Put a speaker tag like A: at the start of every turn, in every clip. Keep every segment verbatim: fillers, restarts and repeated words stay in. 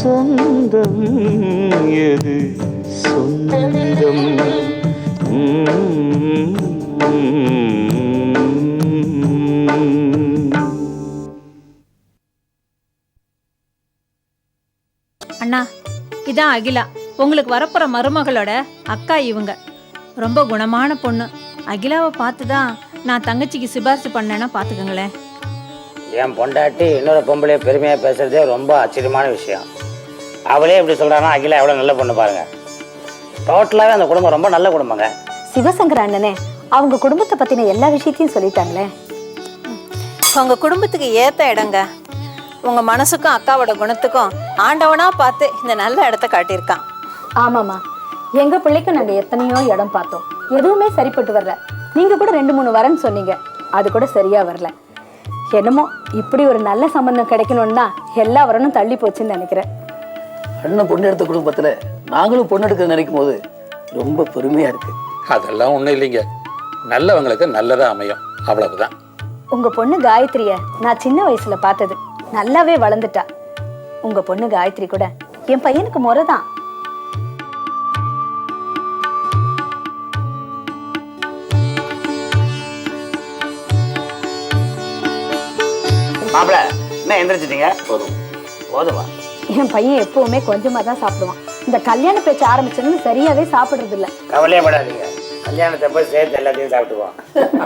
A: சொந்தம் எது சொந்தம்
B: அண்ணா, இதான் அகிலா, உங்களுக்கு வரப்போற மருமகளோட அக்கா. இவங்க ரொம்ப குணமான பொண்ணு. அகிலாவை பார்த்துதான் நான் தங்கச்சிக்கு சிபாரிசு பண்ணேன்னா பார்த்துக்கங்களேன்.
C: என் பொண்டாட்டி இன்னொரு பொம்பளைய பெருமையாக பேசுறதே ரொம்ப ஆச்சரியமான விஷயம். அவளே இப்படி சொல்கிறான்னா அகிலா எவ்வளோ நல்ல பொண்ணு பாருங்க. டோட்டலாகவே அந்த குடும்பம் ரொம்ப நல்ல குடும்பங்க.
D: சிவசங்கர அண்ணனே அவங்க குடும்பத்தை பற்றின எல்லா விஷயத்தையும் சொல்லிட்டாங்களே.
B: உங்க குடும்பத்துக்கு ஏத்த இடங்க. உங்க மனசுக்கும் அக்காவோட குணத்துக்கும் ஆண்டவனா பார்த்து இந்த நல்ல இடத்த காட்டியிருக்கான்.
D: ஆமாம்மா, எங்க பிள்ளைக்கும் நாங்கள் எத்தனையோ இடம் பார்த்தோம், எதுவுமே சரிப்பட்டு வரல. நீங்க கூட ரெண்டு மூணு வரன்னு சொன்னீங்க, அது கூட சரியா வரல. என்னமோ இப்படி ஒரு நல்ல சம்பந்தம் கிடைக்கணும்னா எல்லா வரனும் தள்ளி போச்சுன்னு நினைக்கிறேன்.
E: அண்ணன் பொண்ணு எடுத்த குடும்பத்துல நாங்களும் பொண்ணு எடுக்க நினைக்கும் போது ரொம்ப பெருமையா இருக்கு.
F: அதெல்லாம் ஒண்ணும் இல்லைங்க, நல்லவங்களுக்கு நல்லதா அமையும், அவ்வளவுதான்.
D: உங்க பொண்ணு காயத்ரிய நான் சின்ன வயசுல பார்த்தது, நல்லாவே வளர்ந்துட்டா. உங்க பொண்ணு காயத்ரி கூட என் பையனுக்கு முறைதான்.
C: மாப்பிள்ள என்ன எந்திரிச்சிட்டீங்க? போதும் போதுமா?
D: என் பையன் எப்பவுமே கொஞ்சமா தான் சாப்பிடுவான். இந்த கல்யாண பேச்சு ஆரம்பிச்சதுன்னு சரியாவே சாப்பிடுறது இல்ல.
C: கவலையே படாதீங்க, கல்யாணத்தை போய் சேர்த்து எல்லாத்தையும் சாப்பிட்டுவோம்.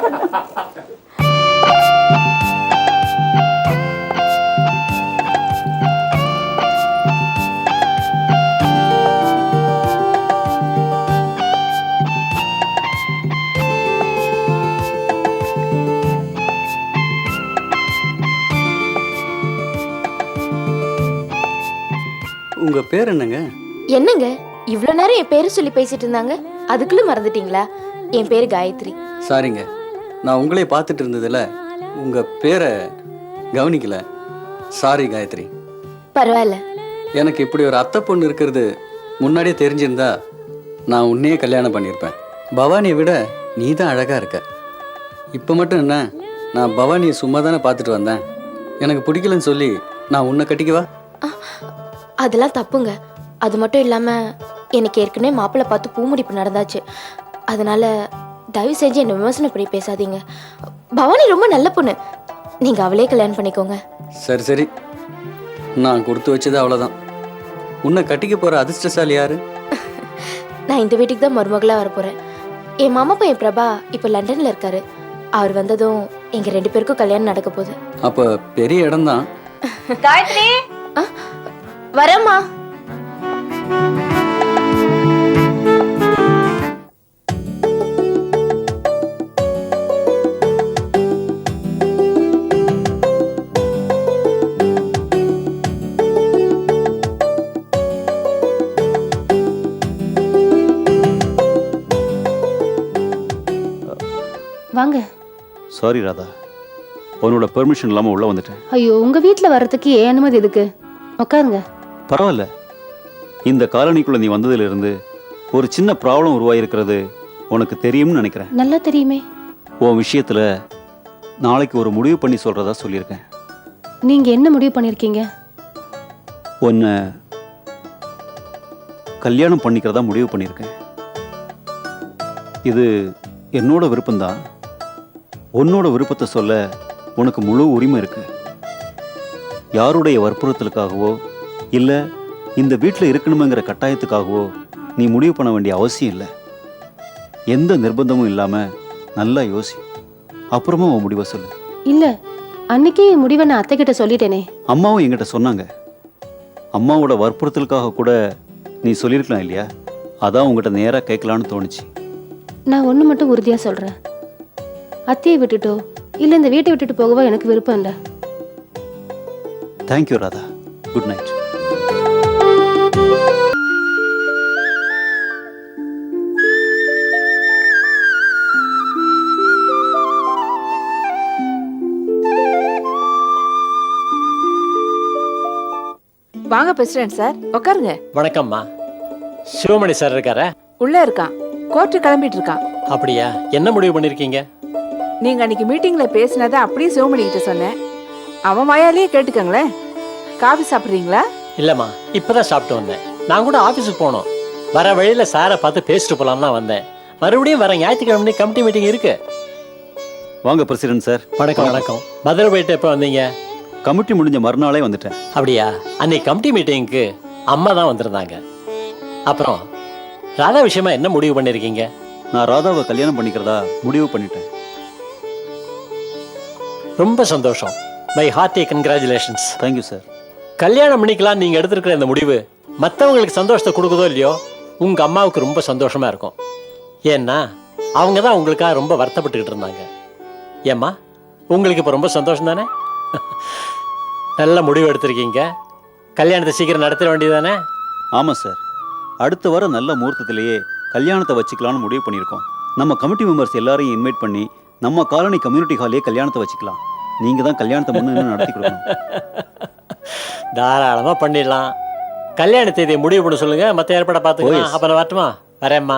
G: உங்க பேர் என்னங்க?
H: என்னங்க இவ்வளவு நேரம் என் பேரு சொல்லி பேசிட்டு இருந்தாங்க, அதுக்குள்ள மறந்துட்டீங்களா? என் பேரு காயத்ரி.
G: சாரிங்க, நான் உங்களே பார்த்துட்டு இருந்ததுல உங்க பேரை கவனிக்கல. சாரி காயத்ரி.
H: பரவாயில்ல.
G: எனக்கு இப்படி ஒரு அத்தை பொண்ணு இருக்கிறது முன்னாடியே தெரிஞ்சிருந்தா நான் உன்னையே கல்யாணம் பண்ணியிருப்பேன். பவானியை விட நீ தான் அழகா இருக்க. இப்போ மட்டும் என்ன, நான் பவானியை சும்மா தானே பார்த்துட்டு வந்தேன். எனக்கு பிடிக்கலன்னு சொல்லி நான் உன்னை கட்டிக்கவா?
H: அதெல்லாம் தப்புங்க. அது மட்டும் இல்லாம எனக்கு ஏற்கனவே மாப்பிள்ளை பார்த்து பூமுடிப்பு நடந்தாச்சு. அதனால தயவு செஞ்சு என்ன விமர்சனம் பண்ணி பேசாதீங்க. பவானி ரொம்ப நல்ல பொண்ணு, நீங்க அவளே கல்யாணம் பண்ணிக்கோங்க.
G: சரி சரி, நான் கொடுத்து வச்சது அவ்வளோதான். உன்னை கட்டிக்க போற அதிர்ஷ்டசாலி யாரு?
H: நான் இந்த வீட்டுக்கு தான் மருமகளா வர போறேன். என் மாமா பையன் பிரபா இப்ப லண்டன்ல இருக்காரு. அவர் வந்ததும் எங்க ரெண்டு பேருக்கும் கல்யாணம் நடக்க போகுது.
G: அப்ப பெரிய இடம் தான்.
H: காயத்ரி வரமா?
I: வாங்க.
A: சாரி ராதா, உன்னோட பெர்மிஷன் இல்லாமல் உள்ளே வந்துட்டேன்.
I: ஐயோ, உங்க வீட்டில் வர்றதுக்கு ஏன் அனுமதி எதுக்கு? உட்காருங்க.
A: பரவாயில்ல, இந்த காலனிக்குள்ள நீ வந்ததிலிருந்து ஒரு சின்ன ப்ராப்ளம் உருவாயிருக்கிறது உனக்கு தெரியும்னு நினைக்கிறேன்.
I: நல்லா தெரியுமே.
A: உன் விஷயத்துல நாளைக்கு ஒரு முடிவு பண்ணி சொல்றதா சொல்லியிருக்கேன்.
I: நீங்க என்ன முடிவு பண்ணிருக்கீங்க?
A: உன்னை கல்யாணம் பண்ணிக்கிறதா முடிவு பண்ணியிருக்கேன். இது என்னோட விருப்பம்தான். உன்னோட விருப்பத்தை சொல்ல உனக்கு முழு உரிமை இருக்கு. யாருடைய வற்புறுத்தலுக்காகவோ இல்லை இந்த வீட்டில் இருக்கணுங்கிற கட்டாயத்துக்காகவோ நீ முடிவு பண்ண வேண்டிய அவசியம் இல்லை. எந்த நிர்பந்தமும் இல்லாமல் நல்லா யோசி, அப்புறமா உன் முடிவை சொல்லு.
I: இல்லை, அன்னைக்கே என் முடிவை நான் அத்தை கிட்ட சொல்லிட்டேனே.
A: அம்மாவும் என்கிட்ட சொன்னாங்க. அம்மாவோட வற்புறுத்தலுக்காக கூட நீ சொல்லியிருக்கலாம் இல்லையா? அதான் உங்ககிட்ட நேராக கேட்கலான்னு தோணுச்சு.
I: நான் ஒன்று மட்டும் உறுதியாக சொல்கிறேன், அத்தையை விட்டுட்டோ இல்லை இந்த வீட்டை விட்டுட்டு போகவோ எனக்கு விருப்பம் இல்லை.
A: Thank you Radha, good night.
J: வாங்க பிரசிடென்ட் சார், உட்காருங்க.
K: வணக்கம்மா. சிவமணி சார் இருக்காரா?
J: உள்ள இருக்கான், கோர்ட்டு கிளம்பிட்டு இருக்கான்.
K: அப்படியா? என்ன முடிவு பண்ணிருக்கீங்க?
J: நீங்க அன்னைக்கு மீட்டிங்ல பேசினதை அப்படியே சிவமணி கிட்ட சொன்னேன். அவன் வாயாலேயே கேட்டுக்கங்களேன். காஃபி சாப்பிட்றீங்களா?
K: இல்லைம்மா இப்போ தான் சாப்பிட்டு வந்தேன். நான் கூட ஆஃபீஸுக்கு போனோம். வர வழியில் சாரை பார்த்து பேசிட்டு போகலான்னு தான் வந்தேன். மறுபடியும் வர ஞாயிற்றுக்கிழமை கமிட்டி மீட்டிங் இருக்கு.
A: வாங்க பிரசிடென்ட் சார்.
K: வணக்கம் வணக்கம். மதுரை போயிட்டு எப்போ வந்தீங்க?
A: கமிட்டி முடிஞ்ச மறுநாளே வந்துட்டேன்.
K: அப்படியா? அன்னைக்கு கமிட்டி மீட்டிங்க்கு அம்மா தான் வந்திருந்தாங்க. அப்புறம் ராதா விஷயமா என்ன முடிவு பண்ணியிருக்கீங்க?
A: நான் ராதாவை கல்யாணம் பண்ணிக்கிறதா முடிவு பண்ணிட்டேன்.
K: ரொம்ப சந்தோஷம். My hearty congratulations.
A: Thank you sir.
K: கல்யாணம் பண்ணிக்கலாம் நீங்கள் எடுத்திருக்கிற இந்த முடிவு மற்றவங்களுக்கு சந்தோஷத்தை கொடுக்குதோ இல்லையோ, உங்கள் அம்மாவுக்கு ரொம்ப சந்தோஷமாக இருக்கும். ஏன்னா அவங்க தான் உங்களுக்காக ரொம்ப வருத்தப்பட்டுக்கிட்டு இருந்தாங்க. ஏம்மா, உங்களுக்கு இப்போ ரொம்ப சந்தோஷம் தானே? நல்ல முடிவு எடுத்திருக்கீங்க. கல்யாணத்தை சீக்கிரம் நடத்திட வேண்டியதானே?
A: ஆமாம் சார். அடுத்த வாரம் நல்ல முகூர்த்தத்திலேயே கல்யாணத்தை வச்சுக்கலாம்னு முடிவு பண்ணியிருக்கோம். நம்ம கமிட்டி மெம்பர்ஸ் எல்லாரையும் இன்வைட் பண்ணி நம்ம காலனி கம்யூனிட்டி ஹாலே கல்யாணத்தை வச்சுக்கலாம். நீங்கள் தான் கல்யாணத்தை முன்னு நடத்தி கொடுக்கணும்.
K: தாராளமாக பண்ணிடலாம். கல்யாண தேதியை முடிவு பண்ண சொல்லுங்க, மற்ற ஏற்பாடை பார்த்துக்கலாம். அப்போ நான் வரட்டுமா? வரேம்மா.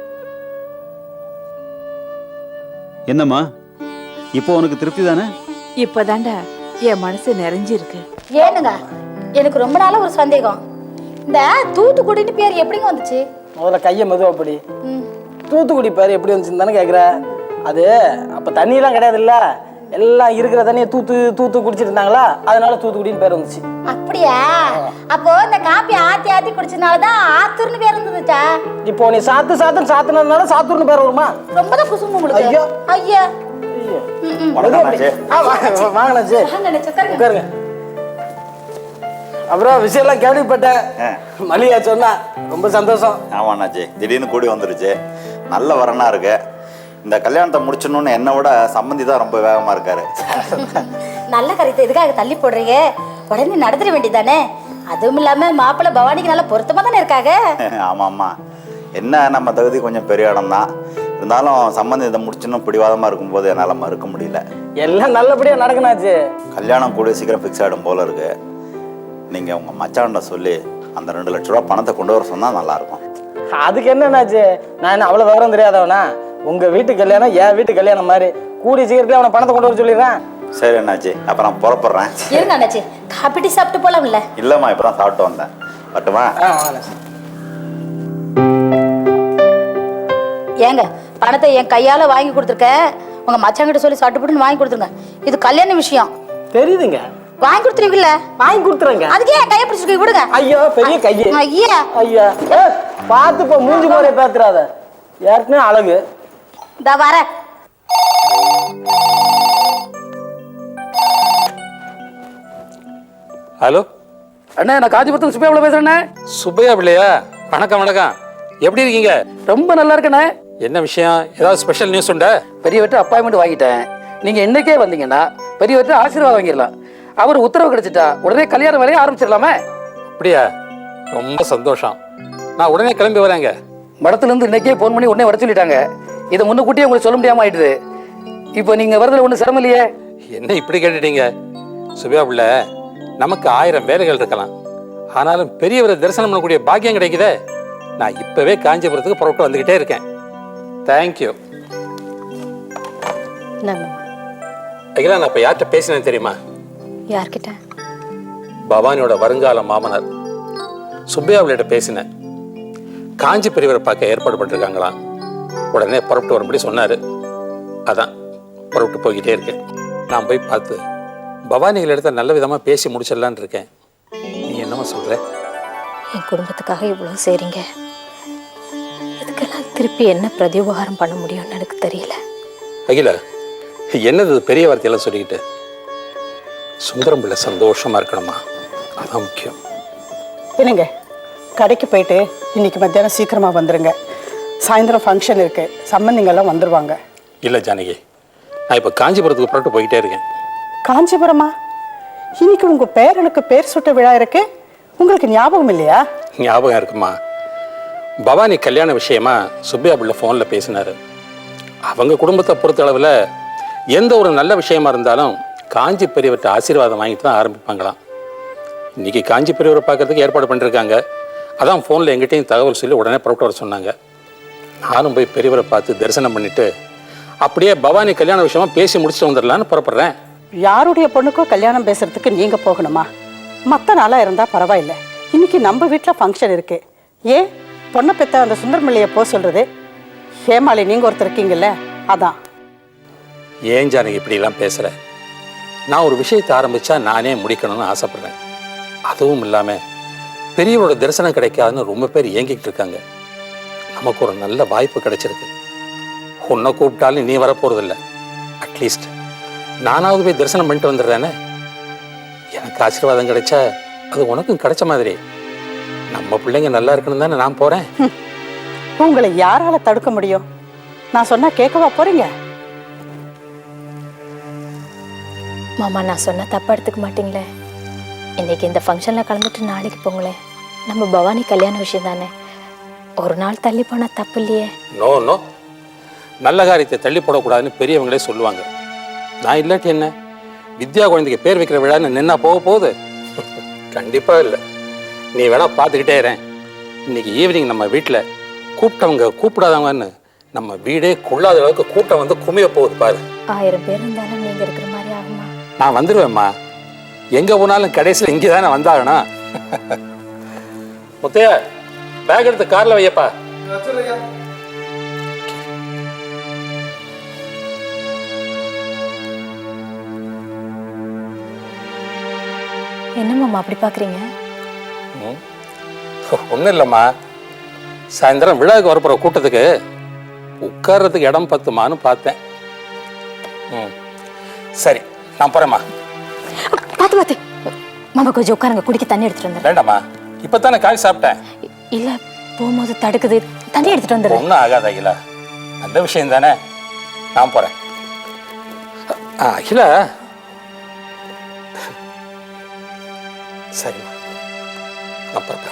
A: என்னம்மா, இப்போ உனக்கு திருப்தி தானே?
J: இப்பதான்டா என் மனசு நிறைஞ்சிருக்கு.
D: ஏனுங்க, எனக்கு ரொம்ப நாளா ஒரு சந்தேகம். இந்த தூத்துக்குடின்னு பேர் எப்படிங்க வந்துச்சு?
E: முதல்ல கையை மெதுவாப்படி. தூத்துக்குடி பேர் எப்படி வந்துச்சுன்னு தானே கேட்குற. அது அப்போ தண்ணியெல்லாம் கிடையாது இல்லை, எல்லாம் இருக்கிற தண்ணியை தூத்து தூத்து குடிச்சிட்டு இருந்தாங்களா, அதனால தூத்துக்குடின்னு பேர் வந்துச்சு.
D: அப்படியா? அப்போ இந்த காப்பி ஆத்தி ஆத்தி குடிச்சதுனால தான் ஆத்தூர்னு பேர் இருந்துச்சா?
E: இப்போ நீ சாத்து சாத்துன்னு சாத்துனதுனால சாத்தூர்னு பேர் வருமா?
D: ரொம்ப தான் குசும்பு உங்களுக்கு.
E: ஐயோ
D: ஐயா,
E: வாங்கண்ணாச்சு, உட்காருங்க. அப்புறம் விஷயம்லாம் கேள்விப்பட்டேன். மல்லிகா சொன்னா ரொம்ப சந்தோஷம்.
L: ஆமாண்ணாச்சி, திடீர்னு கூடி வந்துருச்சு. நல்ல வரனா இருக்கு. இந்த கல்யாணத்தை முடிச்சணும்னு என்னை விட சம்பந்தி தான் ரொம்ப வேகமா இருக்காரு.
D: நல்ல கருத்தை எதுக்காக தள்ளி போடுறீங்க? உடனே நடத்திட வேண்டியதானே? அதுவும் இல்லாம மாப்பிள்ளை பவானிக்கு நல்ல பொருத்தமா தானே இருக்காங்க.
L: ஆமா ஆமா, என்ன நம்ம தகுதி கொஞ்சம் பெரிய இடம் தான். இருந்தாலும் சம்பந்தி இதை முடிச்சணும் பிடிவாதமா இருக்கும்போது என்னால் மறுக்க முடியல.
E: எல்லாம் நல்லபடியா நடக்கணாச்சு.
L: கல்யாணம் கூடிய சீக்கிரம் ஃபிக்ஸ் ஆகிடும் போல இருக்கு. நீங்க உங்க மச்சான்ட சொல்லி அந்த ரெண்டு லட்ச ரூபா பணத்தை கொண்டு வர சொன்னா நல்லா இருக்கும்.
E: அதுக்கு என்னன்னாச்சு, நான் என்ன அவ்வளவு விவரம் தெரியாதவனா? உங்க வீட்டு கல்யாணம் என் வீட்டு கல்யாணம் மாதிரி கூடிய சீக்கிரத்துல அவனை பணத்தை கொண்டு வர சொல்லிடுறேன்.
L: சரி அண்ணாச்சி, அப்ப நான் புறப்படுறேன்.
D: இருங்க அண்ணாச்சி, காப்பிட்டி சாப்பிட்டு போலாம்ல?
L: இல்லம்மா, இப்பதான் சாப்பிட்டு வந்தேன். வரட்டுமா?
D: ஏங்க, பணத்தை என் கையால வாங்கி கொடுத்துருக்க, உங்க மச்சாங்கிட்ட சொல்லி சட்டு போட்டுன்னு வாங்கி கொடுத்துருங்க. இது கல்யாண விஷயம்.
E: தெரியுதுங்க.
D: வாங்கி கொடுத்துருவீங்கல்ல?
E: வாங்கி கொடுத்துறேங்க.
D: அதுக்கே என் கையை பிடிச்சிருக்க விடுங்க.
E: ஐயோ, பெரிய கையே.
D: ஐயா
E: ஐயா, பார்த்து போ, மூஞ்சி போறே பாத்துறாத. ஏற்கனவே அழகு.
D: இந்த வர
F: ஹலோ
E: அண்ணா, நான் காஞ்சிபுரத்துல சுப்பையா பேசுறேண்ணே.
F: சுப்பையா பிள்ளையா? வணக்கம் வணக்கம். எப்படி இருக்கீங்க?
E: ரொம்ப நல்லா இருக்கண்ணே.
F: என்ன விஷயம்? ஏதாவது ஸ்பெஷல் நியூஸ் உண்டா?
E: பெரியவர்கிட்ட அப்பாயின்மெண்ட் வாங்கிட்டேன். நீங்க என்னைக்கே வந்தீங்கன்னா பெரியவர்கிட்ட ஆசீர்வாதம் வாங்கிடலாம். அவர் உத்தரவு கிடைச்சிட்டா உடனே கல்யாண வேலையை ஆரம்பிச்சிடலாமே.
F: அப்படியா? ரொம்ப சந்தோஷம். நான் உடனே கிளம்பி வரேங்க.
E: மடத்துல இருந்து இன்னைக்கே போன் பண்ணி உடனே வர சொல்லிட்டாங்க. இதை முன்னுக்கூட்டியே உங்களுக்கு சொல்ல முடியாம ஆயிடுது. இப்போ நீங்க வரதுல ஒன்றும் சிரமம் இல்லையே?
F: என்ன இப்படி கேட்டுட்டீங்க? சுபையா பிள்ளை, நமக்கு ஆயிரம் வேலைகள் இருக்கலாம், ஆனாலும் பெரியவரை தரிசனம் பண்ணக்கூடிய பாக்கியம் கிடைக்குதே. நான் இப்பவே காஞ்சிபுரத்துக்கு புறப்பட்டு வந்துகிட்டே இருக்கேன். தேங்க்யூ. அகிலா, நான் இப்ப யார்கிட்ட பேசினேன் தெரியுமா?
D: யார்கிட்ட?
F: பவானியோட வருங்கால மாமனார் சுப்பையாவிட்ட பேசினேன். காஞ்சி பெரியவரை பார்க்க ஏற்பாடு பண்ணிருக்காங்களாம். உடனே புறப்பட்டு வரும்படி சொன்னாரு. அதான் புறப்பட்டு போய்கிட்டே இருக்கேன். நான் போய் பார்த்து பவானிகள் இடத்த நல்ல விதமா பேசி முடிச்சிடலான் இருக்கேன். நீ என்னமா சொல்ற?
D: என் குடும்பத்துக்காக இவ்வளவு செய்றீங்க, இதுக்கெல்லாம் திருப்பி என்ன பிரதிஉபகாரம் பண்ண முடியும்னு எனக்கு தெரியல.
F: அகிலா, என்னது பெரிய வார்த்தையெல்லாம் சொல்லிக்கிட்டு? சுந்தரம் பிள்ளை சந்தோஷமா இருக்கணுமா, அதான் முக்கியம்.
M: என்னங்க, கடைக்கு போயிட்டு இன்னைக்கு மத்தியானம் சீக்கிரமா வந்துருங்க. சாயந்தரம் ஃபங்க்ஷன் இருக்கு, சம்பந்திங்கெல்லாம் வந்துருவாங்க.
F: இல்லை ஜானகி, நான் இப்போ காஞ்சிபுரத்துக்கு புறப்பட்டு போய்கிட்டே இருக்கேன்.
M: காஞ்சிபுரமா? இன்னைக்கு உங்க பேரனுக்கு பேர் சுட்ட விழா இருக்கு, உங்களுக்கு ஞாபகம் இல்லையா?
F: ஞாபகம் இருக்குமா? பவானி கல்யாண விஷயமா சுப்பையா பிள்ளை ஃபோனில் பேசினாரு. அவங்க குடும்பத்தை பொறுத்த அளவில் எந்த ஒரு நல்ல விஷயமா இருந்தாலும் காஞ்சி பெரியவர்கிட்ட ஆசீர்வாதம் வாங்கிட்டு தான் ஆரம்பிப்பாங்களாம். இன்னைக்கு காஞ்சி பெரியவரை பார்க்கறதுக்கு ஏற்பாடு பண்ணிருக்காங்க. அதான் ஃபோனில் எங்கிட்டையும் தகவல் சொல்லி உடனே புறப்பட்டு வர சொன்னாங்க. நானும் போய் பெரியவரை பார்த்து தரிசனம் பண்ணிட்டு அப்படியே பவானி கல்யாண விஷயமா பேசி முடிச்சுட்டு வந்துடலான்னு புறப்படுறேன்.
M: யாருடைய பொண்ணுக்கோ கல்யாணம் பேசுறதுக்கு நீங்க போகணுமா? மற்ற நாளாக இருந்தால் பரவாயில்ல. இன்னைக்கு நம்ம வீட்டில் ஃபங்க்ஷன் இருக்கு. ஏன் பொண்ணை பெற்ற அந்த சுந்தரமல்லியை போக சொல்றது? ஹேமாளி நீங்கள் ஒருத்தர் இருக்கீங்கல்ல, அதான்.
F: ஏன் ஜானகி இப்படிலாம் பேசுகிற? நான் ஒரு விஷயத்தை ஆரம்பித்தா நானே முடிக்கணும்னு ஆசைப்பட்றேன். அதுவும் இல்லாமல் பெரியவரோட தரிசனம் கிடைக்காதுன்னு ரொம்ப பேர் ஏங்கிக்கிட்டு இருக்காங்க. நமக்கு ஒரு நல்ல வாய்ப்பு கிடைச்சிருக்கு. உன்னை கூப்பிட்டாலும் நீ வரப்போகிறதில்ல. அட்லீஸ்ட் நானாவது போய் தரிசனம் பண்ணிட்டு வந்துடுறேனே. எனக்கு ஆசீர்வாதம் கிடைச்சா அது உனக்கும் கிடைச்ச மாதிரி. நம்ம பிள்ளைங்க நல்லா இருக்கணும் தானே நான் போகிறேன்.
M: உங்களை யாரால தடுக்க முடியும்? நான் சொன்னா கேட்கவா போறீங்க?
D: மாமா, நான் சொன்ன தப்பா எடுத்துக்க மாட்டீங்களே? இன்னைக்கு இந்த ஃபங்க்ஷனில் கலந்துட்டு நாளைக்கு போங்களேன். நம்ம பவானி கல்யாண விஷயம் தானே, ஒரு நாள் தள்ளி போனால் தப்பு இல்லையே.
F: நோ நோ, நல்ல காரியத்தை தள்ளி போடக்கூடாதுன்னு பெரியவங்களே சொல்லுவாங்க. நான் இல்லாட்டி என்ன, வித்யா குழந்தைக்கு பேர் வைக்கிற விழான்னு நின்னா போக போகுது? கண்டிப்பாக இல்லை. நீ வேணா பார்த்துக்கிட்டே இறேன். இன்னைக்கு ஈவினிங் நம்ம வீட்டில் கூப்பிட்டவங்க கூப்பிடாதவங்கன்னு நம்ம வீடே கொள்ளாத அளவுக்கு கூட்டம் வந்து குமிய போகுது பாரு.
D: ஆயிரம் பேர் இருந்தாலும் நீங்க இருக்கிற மாதிரி ஆகுமா?
F: நான் வந்துடுவேம்மா. எங்கே போனாலும் கடைசியில் இங்கே தானே வந்தாகணும். முத்தையா, பேக் எடுத்து காரில் வையப்பா.
D: என்ன மாமா அப்படி பார்க்குறீங்க?
F: ஒன்றும் இல்லைம்மா, சாயந்தரம் விழாவுக்கு வரப்போகிற கூட்டத்துக்கு உட்கார்றதுக்கு இடம் பத்துமான்னு பார்த்தேன். ம் சரி, நான் போகிறேம்மா.
D: பார்த்து பார்த்து மாமா, கொஞ்சம் உட்காருங்க, குடிக்க தண்ணி எடுத்துட்டு வந்துடுறேன்.
F: வேண்டாம்மா, இப்போ தானே காய் சாப்பிட்டேன்.
D: இல்லை, போகும்போது தடுக்குது, தண்ணி எடுத்துட்டு வந்துடுறேன்.
F: ஒன்றும் ஆகாது அகிலா, நல்ல விஷயம் தானே. நான் போகிறேன். ஆ அகிலா, சரிம்மா, நான் பார்க்குறேன்.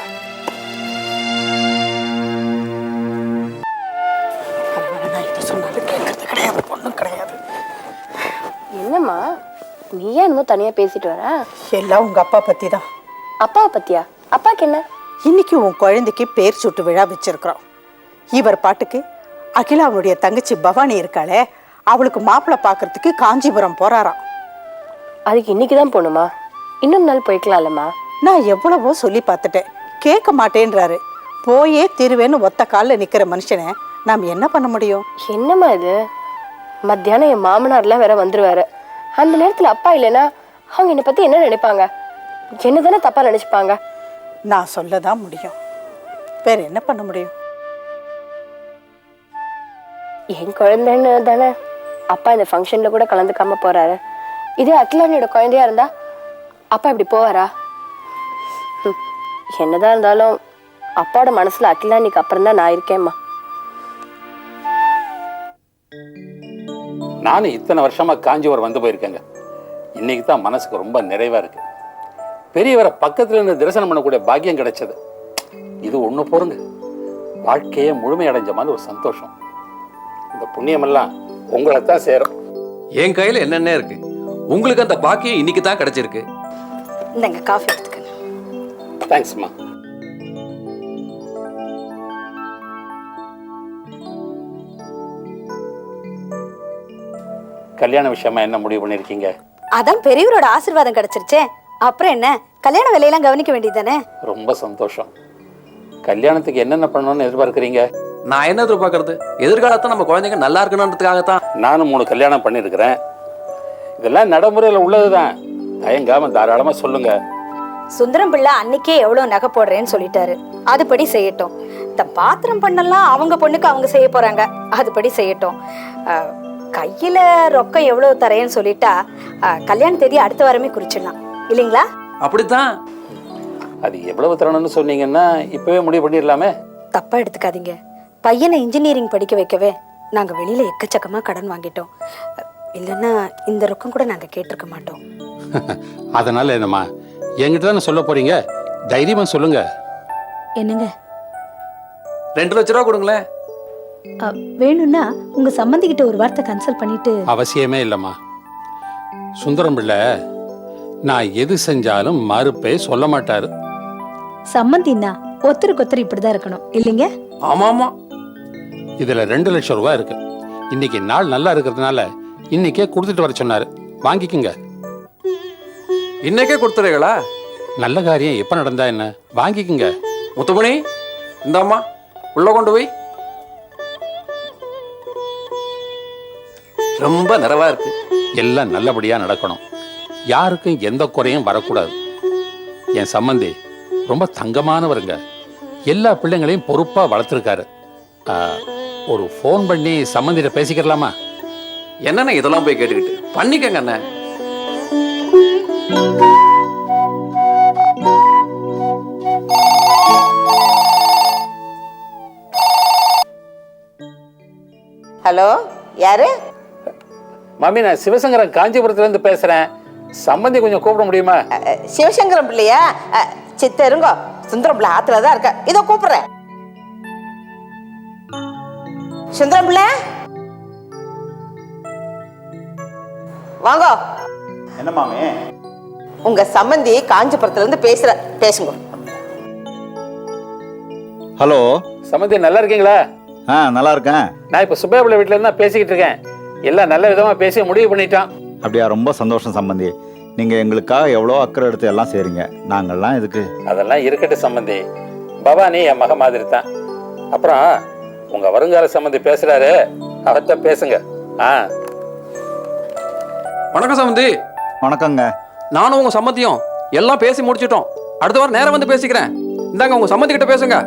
H: என்னம்மா நீ ஏன் இன்னும் தனியா பேசிட்டு வர?
M: எல்லாம் உங்க அப்பா பத்தி தான்.
H: அப்பாவை பத்தியா? அப்பாக்கு என்ன?
M: இன்னைக்கு உன் குழந்தைக்கு பேர் சூட்டு விழா வச்சிருக்கிறோம். இவர் பாட்டுக்கு அகிலாவுடைய தங்கச்சி பவானி இருக்காளே, அவளுக்கு மாப்பிள்ளை பார்க்கறதுக்கு காஞ்சிபுரம் போறாராம்.
H: அதுக்கு இன்னைக்கு தான் போகணுமா? இன்னொரு நாள் போய்க்கலாம்லம்மா.
M: நான் எவ்வளவோ சொல்லி பார்த்துட்டேன், கேட்க மாட்டேன்றாரு. போயே தீருவேன்னு ஒத்த காலில் நிற்கிற மனுஷனை நாம் என்ன பண்ண முடியும்?
H: என்னம்மா இது? மத்தியானம் என் மாமனார்லாம் வேற வந்துருவாரு. அந்த நேரத்தில் அப்பா இல்லைன்னா அவங்க என்னை பத்தி என்ன நினைப்பாங்க? என்ன தானே தப்பா நினைச்சுப்பாங்க.
M: நான் சொல்லதான் முடியும், வேற என்ன பண்ண முடியும்?
H: என் குழந்தைன்னு தானே அப்பா இந்த ஃபங்க்ஷன்ல கூட கலந்துக்காம போறாரு. இதே அகிலானியோட குழந்தையா இருந்தா அப்பா இப்படி போவாரா? என்னதான் இருந்தாலும் அப்பாவோட மனசுல அகிலானிக்கு அப்புறம் தான் நான் இருக்கேம்மா.
F: நானும் இத்தனை வருஷமா காஞ்சிபுரம் வந்து போயிருக்கேங்க. இன்னைக்கு தான் மனசுக்கு ரொம்ப நிறைவா இருக்கு. பெரியவரை பக்கத்துல இருந்து தரிசனம் பண்ணக்கூடிய பாக்கியம் கிடைச்சது. இது ஒண்ணு போருங்க, வாழ்க்கையே முழுமையடைஞ்ச மாதிரி ஒரு சந்தோஷம். இந்த புண்ணியமெல்லாம் உங்களை தான் சேரும்.
N: என் கையில என்னென்ன இருக்கு, உங்களுக்கு அந்த பாக்கியம் இன்னைக்கு தான் கிடைச்சிருக்கு.
D: இந்தங்க காஃபி எடுத்துக்கங்க.
F: தேங்க்ஸ்மா. கல்யாண விஷயமா என்ன முடிவு பண்ணிருக்கீங்க?
D: அதான் பெரியவரோட ஆசீர்வாதம் கிடைச்சிருச்சே, அப்புறம் என்ன, கல்யாண வேலையெல்லாம் கவனிக்க வேண்டியதானே.
F: ரொம்ப சந்தோஷம். கல்யாணத்துக்கு என்னென்ன பண்ணணும்னு எதிர்பார்க்குறீங்க?
N: நான் என்ன எதிர்பார்க்கறது, எதிர்காலத்தை நம்ம குழந்தைங்க நல்லா இருக்கணுன்றதுக்காகத்தான்.
F: நானும் மூணு கல்யாணம் பண்ணியிருக்கிறேன். இதெல்லாம் நடைமுறையில் உள்ளதுதான். தயங்காம தாராளமா சொல்லுங்க.
D: சுந்தரம் பிள்ளை அன்னைக்கே எவ்வளவு நகை போடுறேன்னு சொல்லிட்டாரு, அதுபடி செய்யட்டும். இந்த பாத்திரம் பண்ணலாம் அவங்க பொண்ணுக்கு அவங்க செய்ய போறாங்க, அதுபடி செய்யட்டும். கையில ரொக்கம் எவ்வளவு தரேன்னு சொல்லிட்டா கல்யாண தேதி அடுத்த வாரமே குறிச்சிடலாம் இல்லைங்களா?
N: அப்படித்தான்.
F: அது எவ்வளவு தரணும்னு சொன்னீங்கன்னா இப்பவே முடிவு பண்ணிடலாமே.
D: தப்பா எடுத்துக்காதீங்க, பையனை இன்ஜினியரிங் படிக்க வைக்கவே நாங்க வெளியில எக்கச்சக்கமா கடன் வாங்கிட்டோம். இல்லைன்னா இந்த ரொக்கம் கூட நாங்க கேட்டிருக்க மாட்டோம்.
F: அதனால என்னம்மா, என்கிட்ட தானே சொல்ல போறீங்க, தைரியமா சொல்லுங்க.
D: என்னங்க,
N: ரெண்டு லட்ச ரூபா கொடுங்களேன்.
D: வேணும்னா உங்க சம்பந்திக்கிட்ட ஒரு வார்த்தை கன்சல்ட் பண்ணிட்டு.
F: அவசியமே இல்லைம்மா. சுந்தரம் பிள்ளை நான் எது செஞ்சாலும் மறுப்பே சொல்ல மாட்டாரு.
D: சம்பந்தின்னா ஒத்தருக்கு ஒத்தர் இப்படிதான் இருக்கணும் இல்லைங்க?
N: ஆமா ஆமா.
F: இதுல ரெண்டு லட்சம் ரூபாய் இருக்கு. இன்னைக்கு நாள் நல்லா இருக்கிறதுனால இன்னைக்கே கொடுத்துட்டு வர சொன்னாரு, வாங்கிக்குங்க.
N: இன்னைக்கே கொடுத்துறீங்களா?
F: நல்ல காரியம் எப்போ நடந்தா என்ன, வாங்கிக்குங்க.
N: முத்துமணி, இந்தாம்மா உள்ள கொண்டு போய். ரொம்ப நிறைவா இருக்கு.
F: எல்லாம் நல்லபடியாக நடக்கணும், யாருக்கும் எந்த குறையும் வரக்கூடாது. என் சம்பந்தி ரொம்ப தங்கமானவருங்க, எல்லா பிள்ளைங்களையும் பொறுப்பாக வளர்த்துருக்காரு. ஒரு ஃபோன் பண்ணி சம்பந்தியிட்ட பேசிக்கிறலாமா?
N: என்னண்ணே இதெல்லாம் போய் கேட்டுக்கிட்டு, பண்ணிக்கங்க அண்ணே.
M: ஹலோ, யாரு?
F: மாமி, நான் சிவசங்கரன் காஞ்சிபுரத்துலேருந்து பேசுகிறேன். சம்பந்தி கொஞ்சம் கூப்பிட முடியுமா?
M: சிவசங்கரம் பிள்ளையா? சித்தருங்கோ, சுந்தரம் பிள்ளை ஆத்துல தான் இருக்க. இதோ கூப்பிடுறேன். சுந்தரம் பிள்ளை, வாங்க.
L: என்ன மாமி?
M: உங்க சம்பந்தி காஞ்சிபுரத்துல இருந்து பேசுற, பேசுங்க.
A: ஹலோ
F: சம்பந்தி, நல்லா இருக்கீங்களா?
A: ஆ நல்லா இருக்கேன்.
F: நான் இப்போ சுப்பையா வீட்டில் இருந்தா பேசிக்கிட்டு இருக்கேன். எல்லாம் நல்ல விதமாக பேசி முடிவு பண்ணிட்டான்.
A: அப்படியா? ரொம்ப சந்தோஷம் சம்பந்தி. நீங்கள் எங்களுக்காக எவ்வளோ அக்கறை எடுத்து எல்லாம் செய்கிறீங்க. நாங்கள்லாம் இதுக்கு.
F: அதெல்லாம் இருக்கட்டும் சம்பந்தி, பவானி என் மக மாதிரி தான். அப்புறம் உங்க வருங்கால சம்பந்தி பேசுறாரு, அவர்கிட்ட பேசுங்க. ஆ,
N: வணக்கம் சம்பந்தி.
A: வணக்கங்க.
N: நானும் உங்க சம்மந்தியும் எல்லாம் பேசி முடிச்சிட்டோம். அடுத்த வாரம் நேரம் வந்து பேசிக்கிறேன். இந்தாங்க உங்க சம்மந்தி கிட்ட பேசுங்க.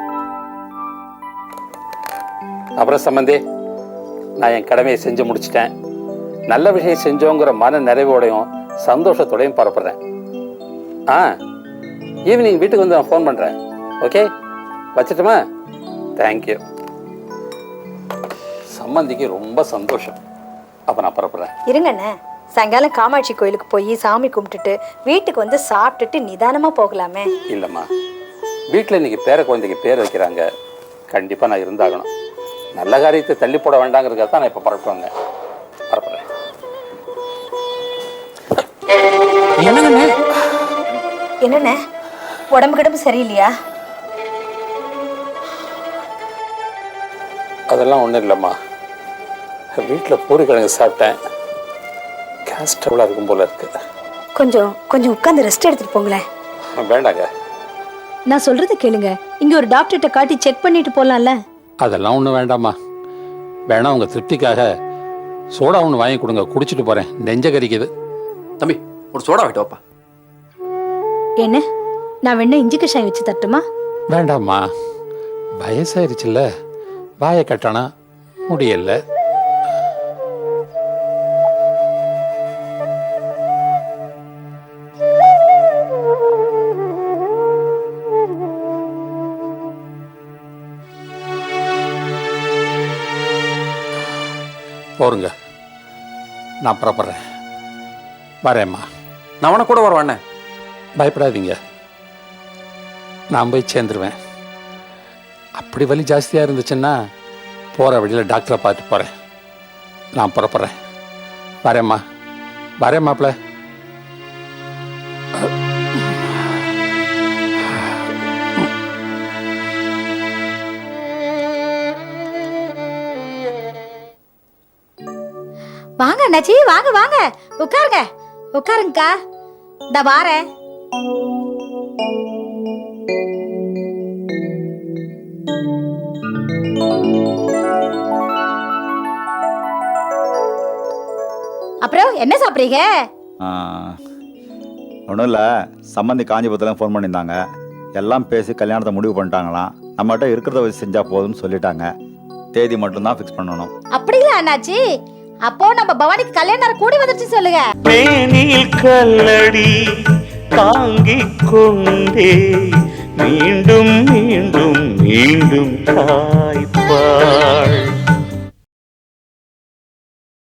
F: அப்புறம் சம்பந்தி, நான் என் கடமையை செஞ்சு முடிச்சிட்டேன். நல்ல விஷயம் செஞ்சோங்கிற மன நிறைவோடையும் சந்தோஷத்தோடையும் பரப்புறேன். ஆ, ஈவினிங் வீட்டுக்கு வந்து நான் ஃபோன் பண்ணுறேன். ஓகே, வச்சுட்டுமா? தேங்க்யூ. சம்பந்திக்கு ரொம்ப சந்தோஷம். அப்போ நான் பரப்புறேன்.
D: இருங்கண்ணே, சாயங்காலம் காமாட்சி கோயிலுக்கு போய் சாமி கும்பிட்டுட்டு வீட்டுக்கு வந்து சாப்பிட்டுட்டு நிதானமா போகலாமே.
F: இல்லைம்மா, வீட்டில் இன்னைக்கு பேர குழந்தைக்கு பேர் வைக்கிறாங்க, கண்டிப்பாக நான் இருந்தாகணும். நல்ல காரியத்தை தள்ளி போட வேண்டாங்கிறதுக்காக தான் நான் இப்போ பரப்புவாங்க பரப்புறேன்.
N: என்னங்கண்ணே?
D: என்னண்ணே, உடம்பு கிடம்பு சரியில்லையா?
F: அதெல்லாம் ஒன்றும் இல்லைம்மா, வீட்டில் பூரிக்கிழங்கு சாப்பிட்டேன், கேஸ் ட்ரபிளாக இருக்கும் போல இருக்கு.
D: கொஞ்சம் கொஞ்சம் உட்காந்து ரெஸ்ட் எடுத்துட்டு போங்களேன்.
F: வேண்டாங்க,
D: நான் சொல்றது கேளுங்க. இங்க ஒரு டாக்டர்கிட்ட காட்டி செக் பண்ணிட்டு போலாம்ல.
F: அதெல்லாம் ஒன்றும் வேண்டாம்மா. வேணா உங்கள் திருப்திக்காக சோடா ஒன்று வாங்கி கொடுங்க, குடிச்சிட்டு போகிறேன். நெஞ்ச கறிக்குது.
N: தம்பி, ஒரு சோடா வாங்கிட்டு வாப்பா.
D: என்ன, நான் வேணா இஞ்சி கஷாயம் வச்சு தட்டுமா?
F: வேண்டாம்மா, வயசாயிருச்சுல்ல, வாயை கட்டணா முடியல. போருங்க, நான் புறப்படுறேன். வரேம்மா.
N: நான் உன கூட வருவானே.
F: பயப்படாதீங்க, நான் போய் சேர்ந்துருவேன். அப்படி வலி ஜாஸ்தியாக இருந்துச்சுன்னா போகிற வழியில் டாக்டரை பார்த்துட்டு போகிறேன். நான் புறப்படுறேன். வரேம்மா, வரேன் மாப்பிள்ள.
D: வாங்க அண்ணாச்சி, வாங்க வாங்க, உட்காருங்க உட்காருங்கக்கா. இந்த வாரேன். அப்புறம் என்ன சாப்பிட்றீங்க?
A: ஒன்றும் இல்லை, சம்பந்தி காஞ்சிபுரத்தில் ஃபோன் பண்ணியிருந்தாங்க. எல்லாம் பேசி கல்யாணத்தை முடிவு பண்ணிட்டாங்களாம். நம்மகிட்ட இருக்கிறத வச்சு செஞ்சால் போதும்னு சொல்லிட்டாங்க. தேதி மட்டும்தான் ஃபிக்ஸ் பண்ணணும்.
D: அப்படிங்களா அண்ணாச்சி? அப்போ நம்ம பவானிக்கு கல்யாணம் கூடி வந்துருச்சு சொல்லுங்க.
O: மேனில் கல்லடி தாங்கிக் கொண்டே மீண்டும் மீண்டும் மீண்டும் தாய்ப்பாள்